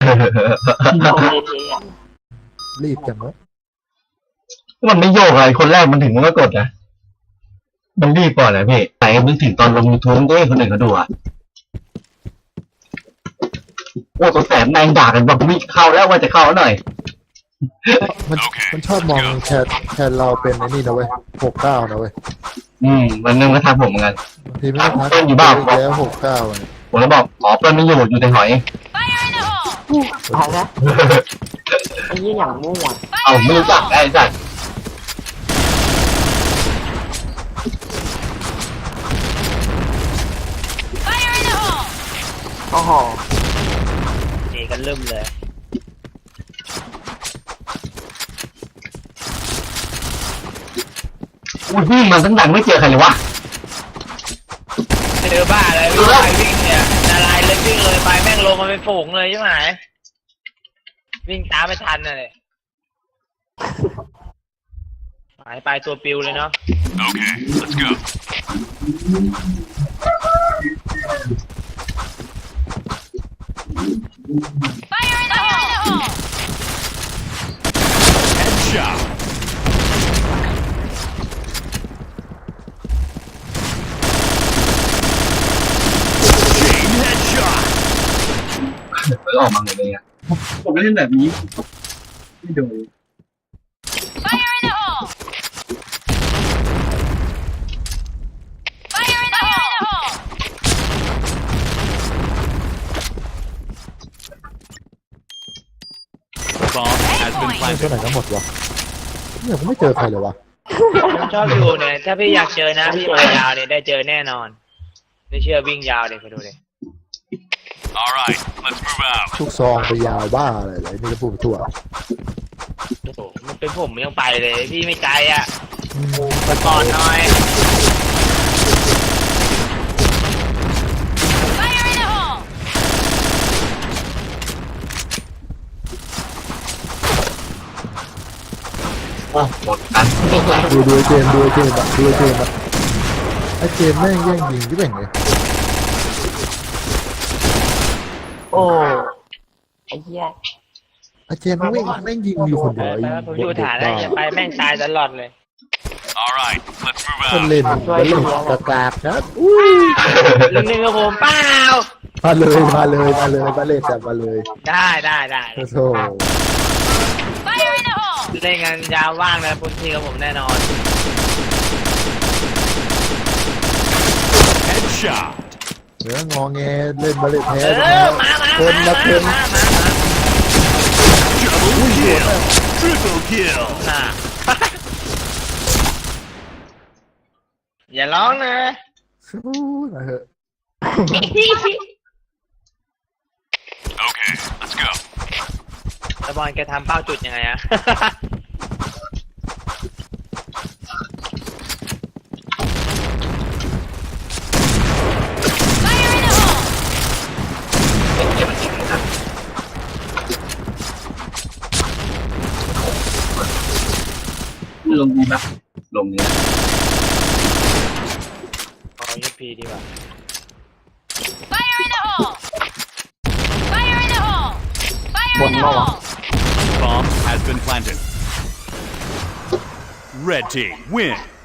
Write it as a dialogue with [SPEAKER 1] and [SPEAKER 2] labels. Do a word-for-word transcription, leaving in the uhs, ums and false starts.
[SPEAKER 1] โอเคอ่ะ
[SPEAKER 2] รีบจังวะ
[SPEAKER 3] มันไม่โยกอะไรคนแรกมันถึงมันก็กดนะมันรีบก่อนนะพี่ไหนนึกถึงตอนลงยูทูบก็ให้คนอื่นเขาดูอ่ะโอ้ตัวแสบแมงด่ากันบอกวิ่งเข้าแล้วว่าจะเข้าหน่อย
[SPEAKER 2] มันมันชอบมองแชทแชทเราเป็นไอ้นี่นะเว้ยหกเก้านะเว้ย
[SPEAKER 3] อืมมันนึงก็ทักผมเหมือนกัน
[SPEAKER 2] บางทีไม่ได้ทัก
[SPEAKER 3] อยู่บ้าน
[SPEAKER 2] แล้วหกเก้า
[SPEAKER 3] ผมแล้วบอกอ๋อเปิ้ลไม่อยู่อยู่ในหอย
[SPEAKER 1] เอาละไอ้ยี่อย่างมั่ว
[SPEAKER 3] เอาไม่รู้จักไอ้จัด
[SPEAKER 1] โอ้โห
[SPEAKER 4] เจกันเริ่มเลย
[SPEAKER 3] อุ้ยวิ่งมาตั้งดังไม่เจอใครเลยวะ
[SPEAKER 4] เจอบ้าอะไรวิ่งไปวิ่งเนี่ยนาลายเลยวิ่งเลยไปแม่งลงมาเป็นฝูงเลยใช่ไหมวิ่งตามไม่ทันน่ะเลยหายไปตัวปิวเลยเนาะโอเค let's go Fire in the hole Headshot Chain headshot
[SPEAKER 3] เปิดออกมาหมดเลยอ่ะผมไม่เล่นแบบนี้ไม่ดู
[SPEAKER 4] Fire in the hole Fire in the hole Bomb has been
[SPEAKER 2] ไม่เท่าไหร่ก็หมดวะเนี่ยผมไม่เจอใครเลยวะ
[SPEAKER 4] ผมชอบอยู่เนี่ยถ้าพี่อยากเจอนะพี่มายาวเนี่ยได้เจอแน่นอนไม่เชื่อวิ่งยาวเลยไปดูเลย Alright let's move out
[SPEAKER 2] ทุกซองไปยาวบ้าอะไรเลยนี่จะพูดไปทั่ว
[SPEAKER 4] โอ้โหมันเป็นผมยังไปเลยพี่ไม่ใจอ่ะไปก่อนหน่อย
[SPEAKER 3] หมดกัน
[SPEAKER 2] ดูดูเจมดูเจมดูเจมอะไอเจมแม่งแย่งยิงที่แบ่งเลย
[SPEAKER 1] โอ้ไอ้เหี้ย
[SPEAKER 2] ไอเจมแม่งแม่งยิงอยู่คนเดียว
[SPEAKER 4] ผมอยู่ฐานแล้วอย่าไปแม่งตายตลอดเลย
[SPEAKER 3] Alright let's move out
[SPEAKER 2] คนเล่นคนเล่นกากากครับ
[SPEAKER 4] หนึ่งหนึ่งกับผมเปล่า
[SPEAKER 2] มาเลยมาเลยมาเลยมาเล่นแต่มาเลย
[SPEAKER 4] ได้ได้ได้
[SPEAKER 2] โอ้โห
[SPEAKER 4] เล่นงานยาวว่างนะพื้นที่กับผมแน่นอน
[SPEAKER 2] Headshot เดี๋ยวงอแงเล่นมาเล่นแพ้
[SPEAKER 4] คน
[SPEAKER 2] ละคน
[SPEAKER 4] Double kill Triple kill อย่าร้องนะ
[SPEAKER 2] นะเฮ้ย
[SPEAKER 4] Okay let's go ตะบอลแกทำเป้าจุดยังไงอะ
[SPEAKER 3] ลงดีปะลงนี้
[SPEAKER 4] เอายูพีดีกว่า
[SPEAKER 5] Fire in the hole Fire in the hole Fire in the hole
[SPEAKER 6] Bomb has been planted. Red team win.